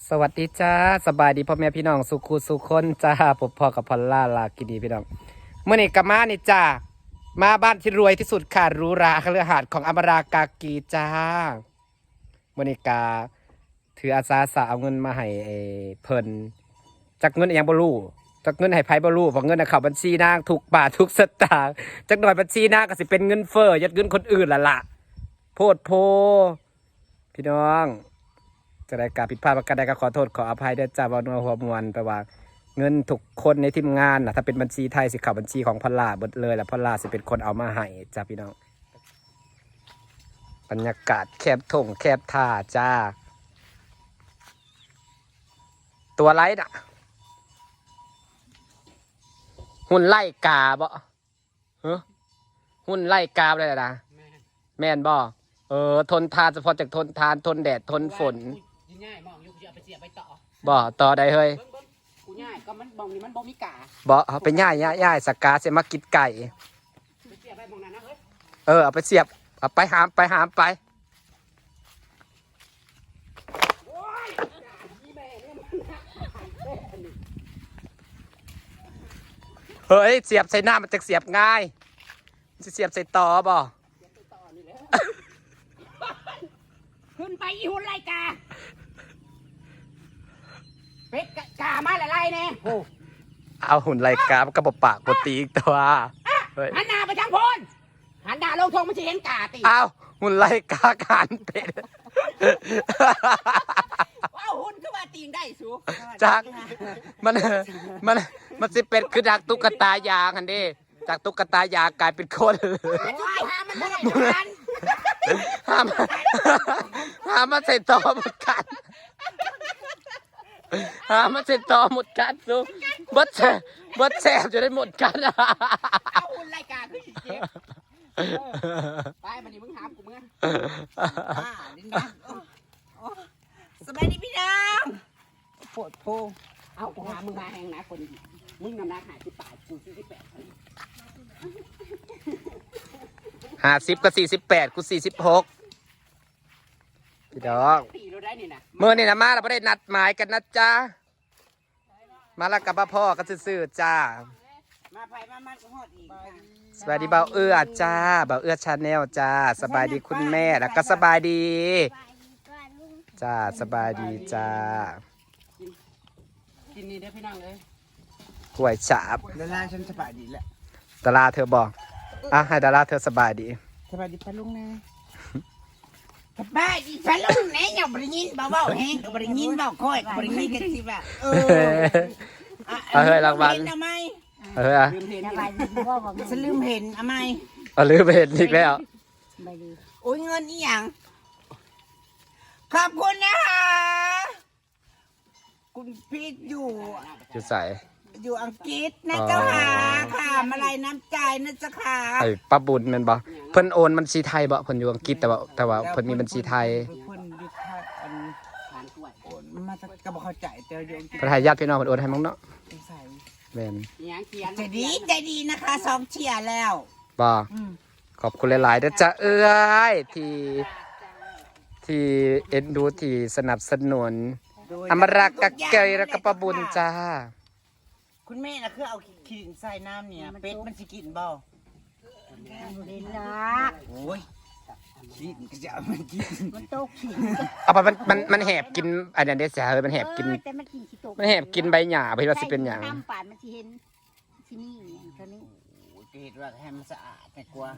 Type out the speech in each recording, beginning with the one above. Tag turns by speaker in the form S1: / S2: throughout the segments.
S1: สวัสดีจ้าสบายดีพ่อแม่พี่น้องสุขุสุคนจ้าพบพ่อกับพอลล่าลากินีพี่น้องเมื่อนี้กับมานี่จ้ามาบ้านที่รวยที่สุดค่ะหรูหราคฤหาสน์ของอมรากากีจ้าเมื่อนี้กาถืออาสาสะเอาเงินมาให้เพิ่นจักเงินอย่างบ่รู้จักเงินให้ไผบ่รู้เพราะเงินเข้าบัญชีนางทุกบาททุกสตางค์จักหน่อยบัญชีนางก็สิเป็นเงินเฟ้อยัดเงินคนอื่นล่ะโพดโพพี่น้องจะได้การผิดพลาดประการใดก็ขอโทษขออภัยด้วยจ้าว่านัวหัวมวนแปลว่าเงินทุกคนในทีมงานนะถ้าเป็นบัญชีไทยสิเข้าบัญชีของพลาหมดเลยแล้วพลาสิเป็นคนเอามาให้จ้าพี่น้องบรรยากาศแคบทงแคบท่าจ้าตัวไรน่ะหุ่นไล่กาบ่หุ่นไล่กาอะไรนะแม่นบ่ทนทานเฉพาะจากทนทานทนแดดทนฝน
S2: ง่ายมองอยู่จะไปเสียไปต่อ
S1: บ่ต่อได้เฮ้ย
S2: กูง่ายก็มันบองนี่มันบ่มีกา
S1: บ่เอาไปย่ายสกาเสียมากินไก่
S2: ไปเสียไปบองนั้นนะเฮ้ย
S1: เอาไปเสียบเอาไปหามไปเฮ้ยเสียบใส่หน้ามันจะเสียบง่ายจะเสียบใส่ต่อบ่
S2: ขึ้นไปอีหุ่นไรกาเป็ดกามาอะไรเนี่ยโอ้
S1: เอาหุ่นไรกามันก็บปากบตีอีกตัว
S2: หันหน้าไปทางพนหันหน้าลงทงมันจะเห็นกาตี
S1: เอาหุ่นไรกาการเป็ด
S2: ว้าวหุ่นก็มาตีงได้สู
S1: จากมันสิเป็นคือจากตุ๊กตายางอันนี้จากตุ๊กตายางกลายเป็นคน
S2: ห้ามมันไม่ได้กัน
S1: ห้ามมันใส่ต่อหมดกันห้ามมันใส่ต่อหมดกันสูบดแสบจะได้หมดกัน
S2: เอาหุ่นรายการขึ้นเจ็บไปมันนี่มึงหามกูมึงดินดังสบายดีพี่น้องปวดโพเอากูหามึงมาแหงนะคนมึงนำหน้าหายที่ป่ากู48
S1: 50กับ48กู46พี่ดอกเมื่อนี่นะมาเราไม่ได้นัดหมายกันนะจ๊ะมาแล้วกับพ่อก็ซื่อจ้า
S2: มาไปมาก็ฮอดอีก
S1: สบายดีเบาเอื้อจ้าเบาเอื้อชาแนลจ้าสบายดีคุณแม่แล้วก็สบายดีจ้าสบายดีจ้า
S2: กินนี่ได้พี่น้องเลย
S1: กล้วยฉาบ
S2: ดาราฉันสบายดีแหละ
S1: ดาราเธอบอกให้ดาราเธอสบายดี
S2: สบายดีพะลุงนะสบายดีพะลุงเนี่ยอย่าบริยินเบาๆแห้งบริยินเบาค่อยบริยินกันสิแบบ
S1: เฮ้ยรางวัล
S2: ทำไม
S1: ลืมเห็น
S2: ฉันลืมเห็นทำไม
S1: ลืมเห็นอีกแล้ว
S2: โอ้ยเงินนี่ยังขอบคุณนะคะคุณพีทอยู่
S1: ใส่
S2: อยู่อังกฤษนะเจ้าค่ะค่ะมาลัยน้ำใจนะเจ้าค่ะ
S1: ป้าบุญแม่นบ่เพิ่นโอนบัญชีไทยบ่เพิ่นอยู่อังกฤษแต่ว่าเพิ่นมีบัญชีไทย
S2: เพิ่นอยู่ไทยโอนมาจะก็บ่เข้าใจแต่อยู่อังกฤษ
S1: เพิ่นให้ญาติพี่น้องเพิ่นโอนให้มั้งเนาะแม่น
S2: ใจดีนะคะ2เที่ยแล้ว
S1: บ่ขอบคุณหลายๆเด้อจ้าเอ้ยที่เอ็นดูที่สนับสนุนอมรากะเกยแล้วก็ป้าบุญจ้า
S2: คุณแม่น่ะคือเอาขี้ดินใส่น้ำเนี่ยเป็ดมันสิกินบ่
S3: เล่นละ
S2: โอ้ยขี้ดินก็จะเอามันกิน
S3: มันโตขี้
S1: เอาไปมันแหบกินอันนั้นเด้อจ้ามันแหบกิน
S3: แต่มันกินขี้โต
S1: มันแหบกินใบหญ้าเพิ่นว่าสิเป็นหยัง
S3: น้ำป่านมันสิเห็นที่นี่เท่านี้
S2: โอ้ยเห็นว่าให้มันสะอาดแต่กลัว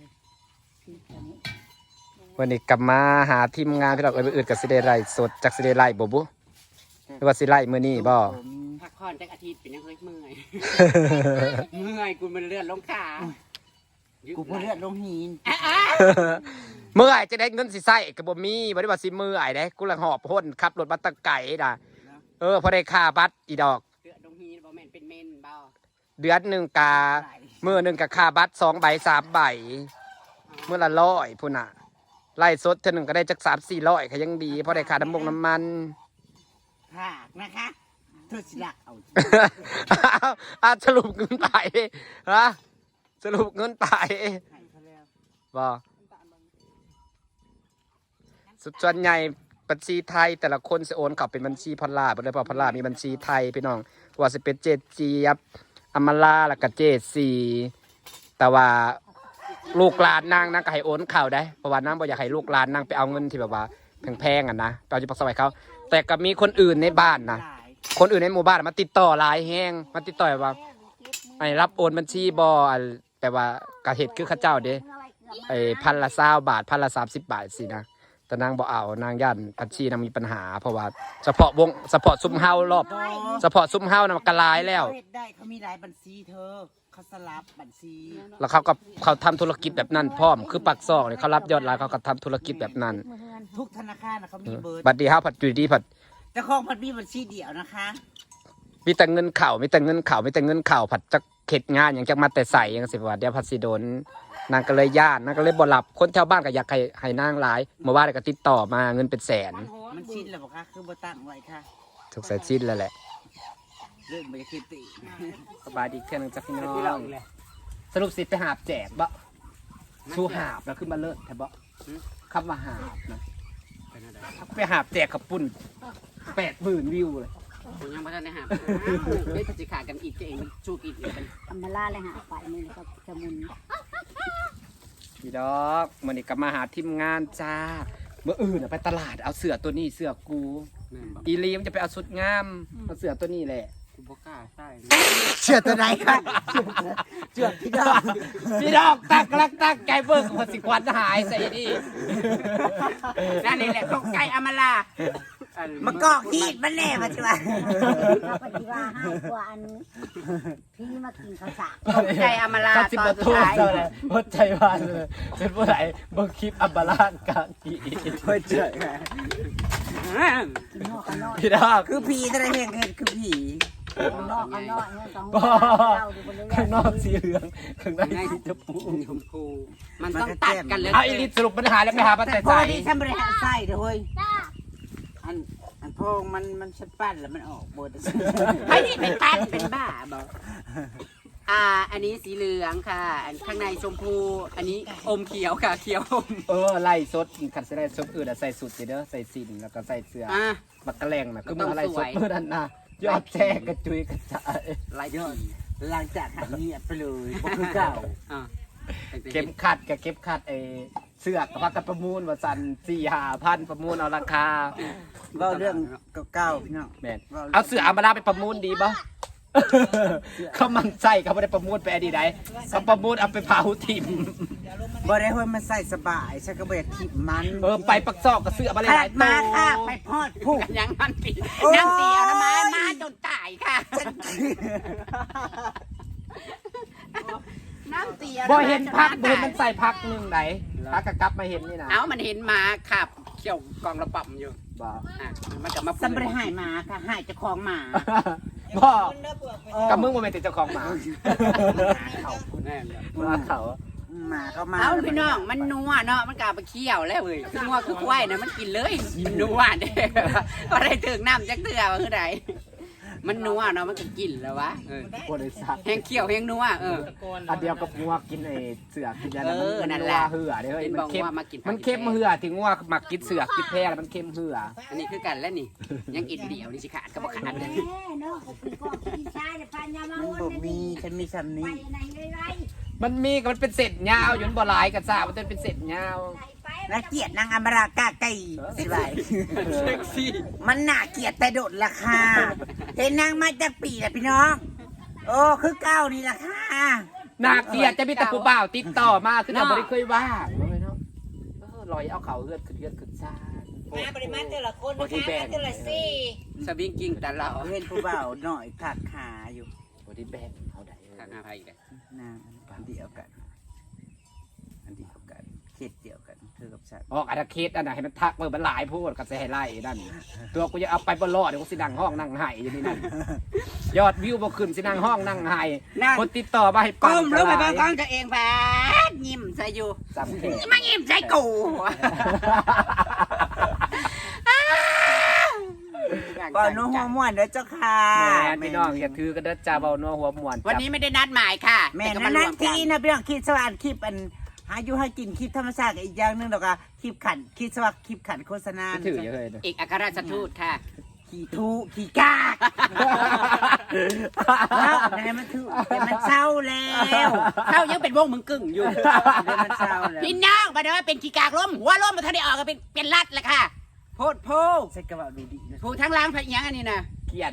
S1: วันนี้กลับมาหาทีมงานพี่ดอกไปอื่นกับสิเดไลสดจากสิเดไลบ่บุหรือว่าสิไลมื้อนี้บ่
S2: พักผ่อนจักอาทิตย์เป็นยังเฮ้ยเมื่อยกูมันเลือดลงขากูเลือดลงหิน
S1: เมื่อยจะได้เงินสิใส่ก็บ่มีบ่ได้ว่าสิเมื่อยเด้กูลังหอบพ่นขับรถมาตะไก่น่ะพอได้ค่าบัตรอีดอก
S2: เลือดลงหินบ่แม่นเป็นเมนบ่
S1: เดือนนึงกามื้อนึงก็ค่าบัตร2 ใบ 3 ใบมื้อละ100พุ่นน่ะไล่สดเท่านึงก็ได้จัก 3-400ก็ยังดีพอได้ค่าน้ำมัน
S2: ค่ะนะคะเธอสิละ
S1: เอาสรุปเงินไปฮะสรุปเงินไปบ่สุดส่วนใหญ่บัญชีไทยแต่ละคนสิโอนเข้าเป็นบัญชีพอลล่าบ่ได้เพราะพอลล่ามีบัญชีไทยพี่น้องว่าสิเป็นเจดเจี๊ยบอมราแล้วก็เจดซีแต่ว่าลูกหลานนางก็ให้โอนเข้าได้เพราะว่านางบ่อยากให้ลูกหลานนางไปเอาเงินที่แบบว่าแพงๆอ่ะนะไปเอาอยู่ปักซอยเขาแต่ก็มีคนอื่นในบ้านนะคนอื่นในหมู่บ้านมาติดต่อหลายแฮงมาติดต่อว่าไอ้รับโอนบัญชีบ่แต่ว่ากะเฮ็ดคือเขาเจ้าเด้ไอ้พันละ20 บาทพันละ30 บาทสินะแต่นางบ่เอานางย่านบัญชีนางมีปัญหาเพราะว่าเฉพาะซุ้มเฮารอบเฉพาะซุ้มเฮานะมันก็หลายแล้ว
S2: เฮ็ดได้เขามีหลายบัญชีเธอเขาสลับบัญชี
S1: แล้วเขาทำธุรกิจแบบนั้นพร้อมคือปักซอกเนี่ยเขารับยอดหลายเขาก็ทำธุรกิจแบบนั้น
S2: ทุกธนาคารเขามีเบอร์
S1: บัดดีเฮาผัดอยู่ดีผัด
S2: เจ้าของมันมีบัญชีเดียวนะคะ
S1: มีแต่เงินเข่าผัดจะเข็ดงานอย่างจะมาแต่ใส่ยังสิว่าเดี๋ยวผัดสิโดนนางก็เลยย่านนางก็เลยบ่หลับคนแถวบ้านก็อยากให้นางหลายเมื่อวานก็ติดต่อมาเงินเป็นแสน
S2: มันชินแล้วบอกค่ะคือบ่ตั้งไว้ค่ะ
S1: ถูกใส่ชิ้นแล้วแหละ
S2: เรื่องบรรยากาศติ
S1: สบายดีเท่านึงจ้ะพี่น้องสรุปสิไปหาบแจกบ่ชูหาบแล้วขึ้นมาเลิศแท้บ่คำว่าหาบนะไปหาบแจกขับปุ่น80,000 วิวเลย
S4: ผมยังไม่ทันได้หาเฮ้ยถ้าจะขาดกันอีกเองมันชูกินอีกกัน
S3: อำมาลาเลยหาไปนี่แล้วก็จะมุน
S1: พี่ดอกมันนี่ก็มาหาทีมงานจ้าเมื่ออื่นไปตลาดเอาเสือตัวนี้เสือกูอีลีมจะไปเอาชุดงามเอาเสือตัวนี้แหละ
S4: กูบอกล้าใช่
S2: เชื่อตัวไหนค่ะเชื่อพี่ดอก
S1: พี่ดอกตักไก่เบิกคนสิควันหายใส่ดิ
S4: นั่นนี่แหละของไก่อมรา
S2: มากอกฮีดมันแน่มาใช่ไหม
S3: ถ้าปฏิว่าให้กว่าอันพี่มากินข้าวสาร
S4: ของไก่อมรา
S1: กับสิบ
S4: ตอ
S1: ป
S4: น
S1: ระ
S4: สุด
S1: ตู
S4: ท้าย
S1: เจ้าเลยพดใจวานเลยเป็นผู้ใดเบิ่งคลิปอับบาลานกากี
S2: เพื่อเชื่อ
S3: กินนอกกันนอก
S1: พี่ดอก
S2: คือผีแต่ละแห่งเห็นคือผี
S3: นอกกันนอกเนี่ยสอง
S1: บ่
S3: เราดูบนเรือ
S1: ข้างนอกสีเหลืองข้างในสีชมพู
S4: ชมพูมันต้องตัดกันเลย
S1: เอาอีลิสรุปปัญหาแล้วไปหาปัจจัย
S2: พอ
S1: ใส่
S2: ดีฉันบริหารไส้เด้อเฮ้ยอันพองมันชัดปั้นแล้วมันออกบน
S4: ไม่นี่เป็นตัดเป็นบ้าบอกอันนี้สีเหลืองค่ะอันข้างในชมพูอันนี้อมเขียวค่ะเขียวอม
S1: ไล่สดขันใส่สดอื่นใส่สุดสิเด้อใส่สินแล้วก็ใส่เสื้อ บักกะแลงนะคือมันอะไรสดเมื่อนั้นนะยอดแชร์กระจุยกระจาย
S4: ลายยอด
S2: หลังจากหายเงียบไปเลยบ่คือเก่า
S1: เก็บขัดกับเก็บขัดเสื้อกับพักกันประมูลว่าสัน4-5,000ประมูลเอาราคา
S2: เล่าเรื่องเก่าๆพี่น้อง
S1: แม่นเอาเสื้ออามาลาไปประมูลดีป่ะเขามันใส่เขาไม่ได้ประมูลไปอดีตใดเขาประมูลเอาไปเผาทิม
S2: บ่ได้เฮ้ยมันใส่สบายฉันก็บ่อยากทิมมัน
S1: ไปปักซอกกับเสื้อมาเลย
S2: ข
S1: ห
S2: นา
S1: ลา
S2: ด
S1: ย
S2: มา
S1: ตัว
S2: ค่ะไปพอดผู้
S4: ยังมันปี
S2: โอ้ย
S4: นั่งตีเอานะมาจนตายค่ะนั่งตีเอา
S1: บ่เห็นพักบ่เห็นมันใส่พักหนึงไหนพักกะกลับมาเห็นนี่นะ
S4: เอามันเห็นมาขับเขี่ยวกองระปั่มอยู่
S1: บ่
S4: มันกลับมา
S2: สัมบริหายหมาค่ะหายเจ้าของหมา
S1: บ่กับมึงบ่แม่นติดเจ้าของหมา
S4: แน่
S1: ว่าเขา
S2: หมาก็มา
S4: เอาพี่น้องมันนัวเนาะมันกลับไปเคี่ยวแล้วเว้ยคือนัวคือควายนะมันกินเลยนัวเด้อะไรถึงน้ำจักเตือว่าคือใดมันนัวเนาะมันก็กินแล้ววะ
S1: บริษัท
S4: แห้งเคี่ยวแห้งนัว
S1: อันเดียวกับงัวกินเสือกินยัน
S4: นั่นแหละ
S1: เหือเด้อ
S4: เป็น
S1: มัน
S4: บอก
S1: เค็ม
S4: ว่ามากิน
S1: มันเค็มเหือถึงงัวมักกินเสือกินแพร่แล้วมันเค็มเหือ
S4: อันนี้คือกันแล้วนี่ยังกินเดียวนี่สิขาดก็บอกขาดเลย
S3: เนาะก็คือก็กินชายแต่พันยามา
S2: มัน
S3: วน
S2: บ่มีฉันมีซ้ำ
S3: ไป
S2: นี้
S3: ไหนเลยไร
S1: มันมีก็มันเป็นเศษยาวอยู่มันบ่หลายกันซ่ามันเป็นเศษยาว
S3: ไป
S2: น่าเกลียดนางอมรากาไก่สิไร
S4: เซ็กซี่
S2: มันน่าเกลียดแต่โดดราคาเห็นนางมาจากปีแหละพี่น้อง โอ้คือเก้านี่ราคา
S1: นาเกลียดจะมีแต่ผู้บ่าวติดต่อมาคือเราบ่ได้เคยว่าเนาะลอยเอาเขาเฮือดขึ้นซ่า
S2: มาปริมาณแต่ละคนนะคะแต่ละซี่
S4: สวิงกิ้งแต่เรา
S2: เห็นผู้บ่าวหน่อยถักขาอยู่
S1: บ่ได้แบ่งเขาได้
S4: ทางอาภัยกัน
S2: นางอันเดียวกันอันเดียวกันเขตเดียวกันเธอกับฉัน
S1: ออกอาณาเขตอันน่ะให้มันทักเบิ่งมันหลายพูดก็สิให้ไล่นั่นตัวกูจะเอาไปบ่รอดเดี๋ยวกูสินั่งห้องนั่งไห้อยู่นี่นั่นยอดวิวบ่ขึ้นสินั่งห้องนั่งไห้คนติดต่อมาให้
S4: ก้
S1: ปั่น
S4: มลงไปบ้างก้องตัวเองแบดยิ้มใส่อยู่
S1: สำเร็จ
S4: มายิ้มใส่กู
S2: ก่อนนู้หัวม่วนเด้อเจ้าค่ะ
S1: แม่พี่น้องอย่าถือกันเด้อจ้าเบานัวหัวม่วน
S4: วันนี้ไม่ได้นัดหมายค่ะ
S2: แม่
S4: ต่ก็
S2: นั่
S4: มาน รว
S2: ที
S4: กั
S2: นะพี่น้องคิดสว่านคลิปอันหาอยู่ให้กินคลิปธรรมชาติกับอีกอย่างหนึงดอกอะคลิปขันคลิปสวักคลิปขันโฆษณา
S1: ถือเยอะเลย
S4: เอกอัครราชทูตค่ะ
S2: ขี่ทูขี่กากแล้วไหนมันถือเดี๋ยวมันเศร้าแล้ว
S4: เข้ายังเป็นวงมึงกึ่งอยู่
S2: เดี๋ยวมันเศร้าแล้ว
S4: พี่น้องมาเด้อเป็นขี้กากล้มหัวล้มมาทันได้ออกก็เป็นรัดแหละค่ะโพดโพ
S2: ใส่กระเป๋าดูดีนะ
S4: ผู้ทั้งล้างพะยังอันนี้นะ
S1: เกียน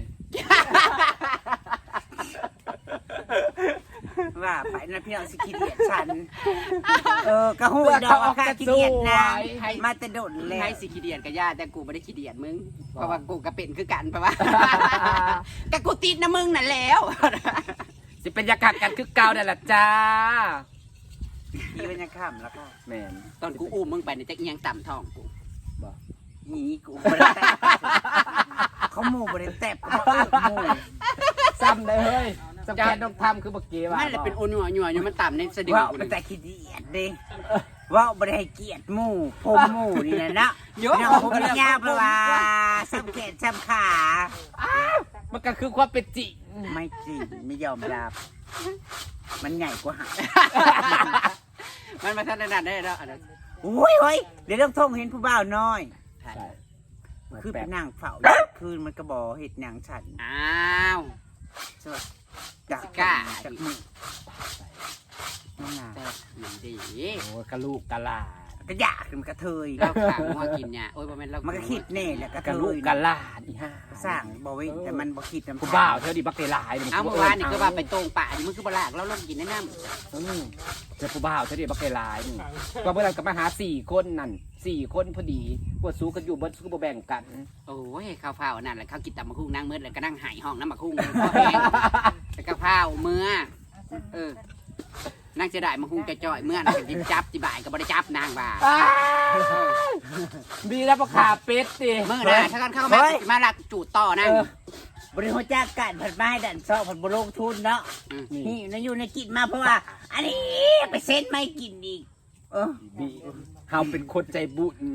S2: ว่าไปนะพี่น้องสิขี้เดียดฉันกระหูดอกค่ะขี้เดียดนะมาแต่โดดแล้ว
S4: ให้สิขี้เดียดกับญาติแต่กูไม่ได้ขี้เดียดมึงเพราะว่ากูก็เป็นคือกันเพราะว่าแต่กูติดนะมึงนั่นแล้ว
S1: สิเป็นยากัดกันคือเก่านั่นแหละจ้า
S2: นี่เป็นยังข้ามแล้วค่ะ
S1: แม่น
S4: ตอนกูอุ้มมึงไปเนี่ยจะเอียงต่ำท้องกู
S2: นี่กูบริแตบเขาหมู่บริแตบเขาหมู่
S1: ซ้ำเลยเฮ้ยสำคัญต้องทำคือเมื่อกี้ว่า
S4: ไม่เลยเป็นโอนัวนัวอยู่มันต่ำในสะดือ
S2: ว่า
S4: กู
S2: เป็น
S4: เลย
S2: แต่ขี้เดียดเด้ว่าบริให้เกียรติหมู่ผมหมู่นี่นะนะน้องผมยาวเพราะว่าซ้ำแขนซ้ำขา
S1: มันก็คือความเป็นจริง
S2: ไม่จริงไม่ยอมรับมันใหญ่กว่าหาง
S4: มันมาทันได้แล้วอันนั้น
S2: โอ้ยเฮ้ยเดี๋ยวต้องท่องเห็นผู้บ่าวน้อย
S1: ใช่
S2: คือเป็นนางเฝ้าคืนมันกระบอกเห็ดนางฉัน
S4: อ้าว
S2: จาก
S4: กล้า
S2: จากมือนั่นน่ะ
S4: แต่หนังดี
S1: โอ้กะลูกกะลา
S2: ก็อยากมันกระเทย
S4: เราขางัวกินเนี่ยโอ้ยบ่แม่นเรา
S2: มันก็คิดแน่แหละกระเท
S1: กะลูก
S2: ย
S1: กะลาอีห่า
S2: สร้างบ่เว้นแต่มันบ่คิดน้ำ
S1: ผู้บ่าวเท่าดีบักเตลาย
S4: เอาเมื่อวานนี่ก็ว่าไปตรงป่านี่มึงคือบ่ลากเราลงกินแนะน
S1: เจอผู้บ่าวเท่าดีบักเตลายนี่ก็เมื่อนั้นก็มาหา4 คนนั่น4 คนพอดีปวดสู้กันอยู่เบิดสู้บ่แบ่งกัน
S4: ำโอ้ยข้าวเผานั่นแหละข้าวกินตำมะคุ้งนั่งมืดเลยก็นั่งหายห้องน้ำมะคุ้งพ่อแห้งแต่ข้าวเผาเมื่อนั่งจะได้มะคุ้งจ่อยๆเมื่อนั่งจิบจับจิบ่ายก็บ่ได้จับนางว่า
S1: ดีแล้วประขาเป็ดดิ
S4: เมื่อนะถ้ากันเข้ามาลักจูดต่อนั่ง
S2: บริโภคจากการผัดไม้ดันซอกผัดบลงทุนเนาะนี่นายอยู่ในกินมาเพราะว่า อันนี้ไปเซ็นไม่กินอีก
S1: ดีเฮาเป็นคนใจบุญ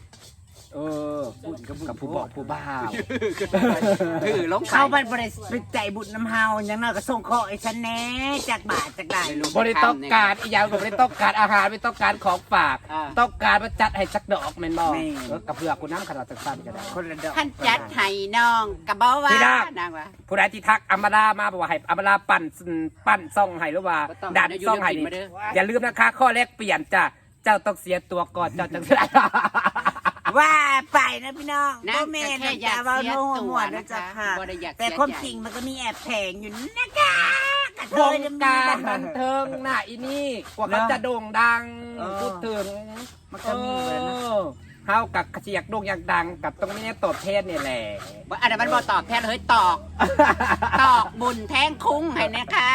S1: กับผู้บอกผู้บ่าว
S4: คือลง
S2: เข้าไปบริไปใจบุญน้ำเฮาอย่างน้อยก็ส่งข้อไอ้ฉันแน่จากบาทจากได้
S1: บริต้องการอีกอย่างก็บริต้องการอาหารไม่ต้องการของฝากต้องการมาจัดให้สักดอกแม่นบ่กับเพื่อคุณน้ำขนาดสั้นๆก็ได้
S2: คนละดอก
S4: ท่านจัดให้น้องกับบ่ว่านางว่า
S1: ผู้ใดที่ทักอมรามาบอกว่าให้อมราปั้นซ่องให้หรือว่าดันซ่องให้นี่อย่าลืมนะคะข้อแรกเปลี่ยนจ้ะเจ้าต้องเสียตัวก่อนเจ้าจังได้
S2: ว่าไปนะพี่น้อง
S4: นะ
S2: โมเมนต์จะว่าโน้หัวนะจ๊ะค่ะแต่ความจริงมันก็มีแอบแผงอยู่นะคะกระเท
S1: วย งการบันเทิงน่ะอีนี่กว่าเขาจะโด่งดังพูดถึง
S2: มันก็มีเลยนะ
S1: เฮากับเสียกโด่งอยากดังกับตรงนี้ตอบแทนนี่แหละ
S4: อันนั้นมันบ่ตอบแทนเฮ้ยตอกบุญแทงคุ้งให้นะคะ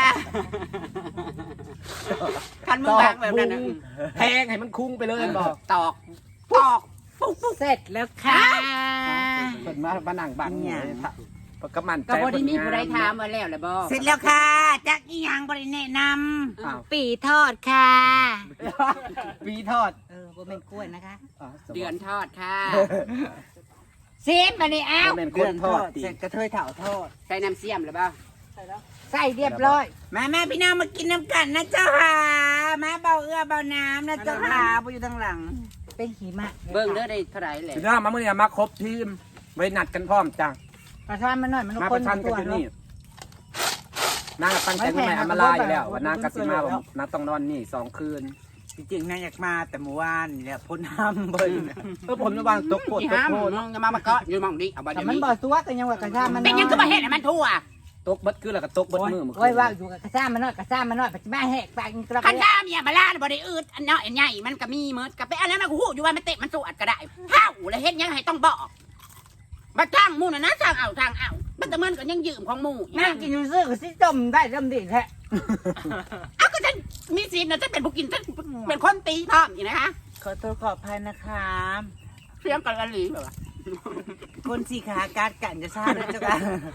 S4: คันมึงวางแบบนั้น
S1: แทงให้มันคุ้งไปเลยบอก
S4: ตอกปุ๊บ
S2: เสร็จแล้วค่ะ
S1: เปิดมานั่งบังเนี่ยก็มัน
S4: ก็บ่ได้มีผู้ใดถามมาแล้วแหละบ่
S2: เสร็จแล้วค่ะจักอีหยังบริแนะน
S3: ปีทอดค่ะ
S1: ปีทอด
S3: บ่เป็นกล้วยนะคะ
S4: เดือนทอดค่ะ
S3: ซีมมานี่อ้าว
S1: เป็น
S2: ำ
S1: คนทอด
S2: เสร็จกระเทยเถ่าทอด
S4: ใส่น้ำเสียมหรือเปล่า
S3: ใส่เรียบร้อย
S2: มาพี่น้องมากินน้ำกันนะเจ้าค่ะมาเบาเอื้อเบาน้ำนะเจ้าค่ะไปอยู่ทางหลัง
S3: เป็นหิมะ
S4: เบิ่งเด้อได้เท่าไหร่แหละ
S1: พี่น้องมาเมื่อนี้มาครบทีมไว้นัดกันพร้อมจ้ะ
S3: ประทานมันหน่อยมัน
S1: มา
S3: ค
S1: ป
S3: น
S1: ระชันกันอยู่นี่นางตั้งใจทำไมอำมาลาอยู่แล้วว่านางกสิมาบอกนางต้องนอนนี่2 คืน
S2: จริงๆนางอยากมาแต่เมื่อวานนี่แหละพ้นห้ำเบิ้ล
S1: ผมจะวางตกโคตร
S4: ที่
S1: ตก
S4: ห้าม
S1: โคตร
S4: มึงจะมาเกาะอยู่หม่องนี้เอาบ่
S3: แต่
S4: เดี๋ยว
S3: มัน
S4: นี้
S3: บ่ตัวกันยังว่ากระซ่ามัน
S4: เป็นยังก็มาเฮ็ดให้มันทั่ว
S1: ตกเบิดคือแล้วก็ตกเบิดมือ
S3: โอ้ยว่าอยู่กับกระซ่ามันน้อยกระซ่ามันน้อยปัจจุบันแหกปากกระ
S4: คันดาเมียมาลาบ่ได้อืดอันเนาะอันใหญ่มันก็มีเมิดก็ไปอันนั้นมันก็ฮู้อยู่ว่ามันเตะมันสวดก็ได้เฮาแล้วเฮ็ดยังให้ต้องบอกบ่จ้างหมู่น่ะนะจ้างเอามันแต่มันก็ยังยืมของหมู่
S3: นั่งกินอยู่ซื้อก็สิจมได้จมดีแท้
S4: อ้าวก็ฉันมีสิทธิ์นะฉันเป็นผู้กินฉันเป็นคนตีพร้อมอยู่นะคะ
S2: ขอโทษขออภัยนะคะ
S4: เสียงกันละหลีแบบว่า
S2: คนสีขาการกันจะทราบด้วยเจ้าค่ะ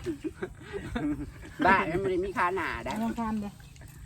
S4: บ้ามันไม่ได้มีค่าหนาได้
S3: ยังทำเด้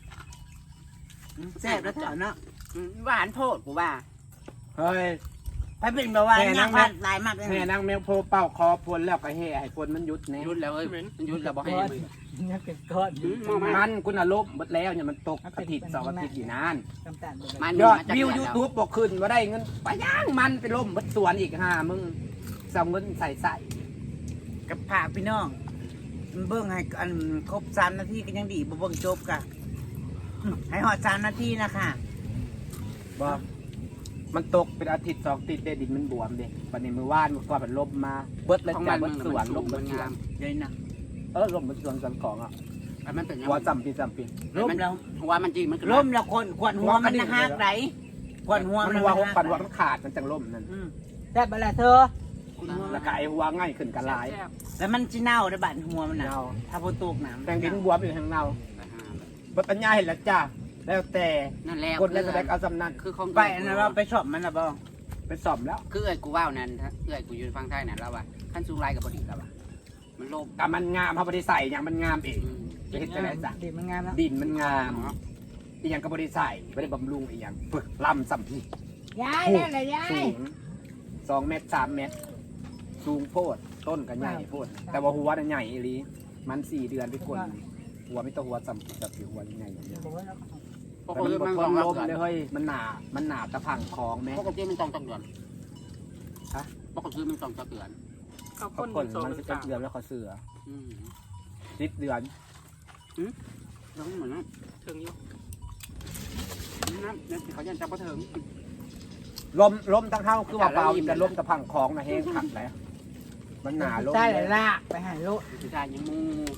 S2: แซ่บแล้วเจ้าเนาะ
S4: หวานโพดกูว่า
S1: เฮ้ย
S2: ไปเป็นแบบว่าย่างพัดลายมากเลย
S1: แม่นางแมวโพเป่าคอพลแล้วก็แห่ให้พลมันหยุดแน่
S4: ยุดแล้วเอ้ยมันยุดแล้วบ่ให้มือ
S5: ยังเป็นก้อน
S1: มันคุณอารมณ์หมดแล้วเนี่ยมันตกอาทิตย์2 อาทิตย์อยู่นาน
S5: น้ำตาลบ่
S4: มัน
S1: ยอด
S4: มาจาก
S1: วิว
S4: เดื
S1: ยู
S4: อนแล้ว
S1: ทูบบอกขึ้นว่าได้เงินไปย่างมันไปล่มบัดสวนอีกมึงส่งเงินใส่
S2: กับผากพี่น้องเบิ่งให้อันครบ3 นาทีก็ยังดีบ่เบิ่งจบกะให้หอด3 นาทีนะคะ
S1: บอกมันตกเป็นอาทิตย์2 อาทิตย์เดดินมันบวมเด็กวันนี้มือว่านมือก่อนมันลมมาเบิดแล้ว
S4: ของ
S1: จ้ะ
S4: มัน
S1: เบิดสวนลม
S4: มั
S1: เบิ
S4: น
S1: ดสว
S4: งาน ม
S2: เดี๋ยวนะ
S1: ลมเบิดสวนของอ่ะ
S4: มันเป็นยัง
S1: หัว
S4: ไง
S1: จำปี
S2: ล้มแล้ว
S4: หัวมันจริงมันคือ
S2: ล้มแล้วคนขวัญหัวมันหักไหนขวัญหัว
S1: มัน
S2: มัน
S1: หัว
S2: หัก
S1: ปันหัวมันขาดมันจังล่มนั่น
S5: แต่บลาเธอ
S1: แล้วก็ไอหัวง่ายขึ้นกันหลาย
S2: แล้วมันจะเน่าได้บัดหัวมันน่ะ
S1: เน่า
S2: ถ้าพอตกน้ำ
S1: แตงดินบวมอยู่ทางเราบดปัญญาเห็นแล้วจ้าแล้วแต่
S4: นั่นแหละ
S1: กดแล้วแสดงเอาสำนัก
S4: คือของ
S2: ไปอันนั้นเราไปชอบมันนะบ่
S1: ไปสอบแล้ว
S4: คือเอ้ยกูว่าวนั่นเอ้ยกูอยู่ฟังไทยนั่นแล้วว่าขั้นสูงไรกับบดีแล้วว่ามันโลภ
S1: แต่มันงามพระบริใส่อย่างมันงามเองจะเห็นจะไหนจ้ะ
S5: ดีมันงามแล้ว
S1: ดินมันงามอีกอย่างกับบริใส่ไม่ได้บำรุงอีกอย่างฝึกลำสัมพี
S3: ยายนั่นแหละยา
S1: สู
S3: ย
S1: ง2 เมตร 3 เมตร สูงโพดต้นก็ใหญ่โพดแต่ว่าหัวน่ะใหญ่อีหลีมัน4 เดือนไปกดหัวไม่ต้องหัวสัมผัสแบบหัวใหญ่อย่างเงี้ย
S5: บอกว่า
S4: ปก
S1: แต่
S4: ติ
S1: มัน
S4: มัน
S1: บ
S4: ต้
S1: ด
S4: อง
S1: ท
S4: รับ
S1: นลม
S4: เดือน
S1: เลยเฮ้ยมันหนาตะพังคลองแม่
S4: ปกติมันต้องจักเดือน
S1: ฮะ
S4: ปกติมันต้องจักเดือน
S1: เขาคนมันจะเดือนแล้วเขาเสือ
S4: อืม
S1: 10 เดือน
S4: แล้วเหมือนนั้นถึงอยู่น้ำเนี่ยเขายันจับกระเถิง
S1: ลมทั้งเท้าคือว่าเบาแต่ลมตะพังคลองนะแห้งขัดแล้วมันหนาลม
S5: ใช่เลยลากไปหาลูก
S4: ผู้ชายยังมู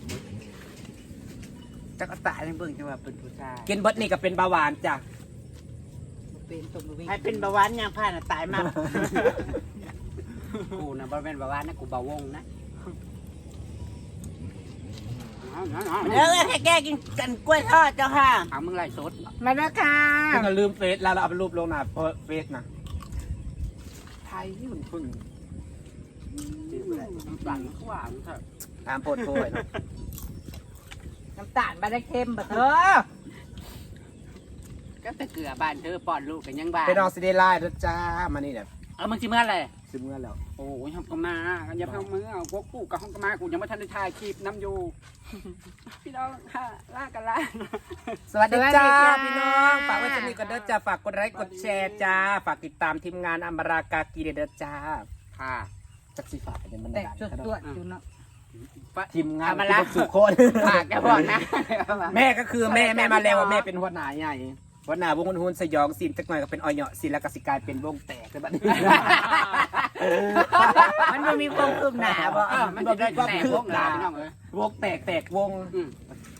S2: จักรตายังเบิ่งจังว่าเป็นผู้ชาย
S1: กินเบิดนี่ก็เป็นเบาหวานจ้ะ
S5: เป็นตัววิ่ง
S2: ให้เป็นเบาหวานย่างผ่านน่ะตายมาก
S4: กูนะบริเวณแบบว่านะกูเบาวงนะ
S2: เออให้แกกินกันกล้วยทอดเจ้าค่ะ
S4: เอามึงไล่สด
S5: มาแล้วค่ะ
S1: คุณลืมเฟซแล้วเราเอาไปรูปลงหน้าเฟซนะไทยนี่มันพึ่ง
S4: น้ำตาลมันก็หวานเถอะ
S1: ตามโพดโพยนะ
S5: น้ำตาลมาได้เค็มบ่เธอ
S4: ก็แต่เกลือบ้านเธอป้อนลูกกันยังบ้าน
S1: ไปนอนซีเดไลน์ด้วยจ้ามานี่แบบ
S4: มึงจิเมื่อไร
S1: ซึมเงินแล้ว
S4: โอ้ยทำกันมาอย่าเพิ่งมือเอาพวกกูกับห้องกันมากูยังไม่ทันได้ถ่ายคลิปน้ำอยู่ พี่น้องค่ะลากันละ
S1: สวัสดีจ้าพี่น้องฝากไว้สนิทกันเด้อจ้าฝากกดไลค์กดแชร์จ้าฝากติดตามทีมงานอัมบารากากีเด้อจ้า
S4: ค่ะ
S1: จักสีฝากเนี่ยมัน
S5: แต่
S1: ดัง
S5: จุด
S1: ขนาด
S5: ตัวจุดเนาะ
S1: ทีมงาน
S4: เอามาละ
S1: สุโคน
S4: ฝากแกบอกนะ
S1: แม่ก็คือแม่มาแล้วว่าแม่เป็นหัวหน้าใหญ่หัวหน้าวงหุ่นสยองซีนจักหน่อยก็เป็นออยเหยาะซีนแล้วก็สิกลายเป็นวงแตกเลยบัดนี้
S2: มันไม่มีความคืบหน้าบ่
S4: มันจะได้แตกพวกหลานพี่น้องเลยว
S1: งแตกวง
S4: อืม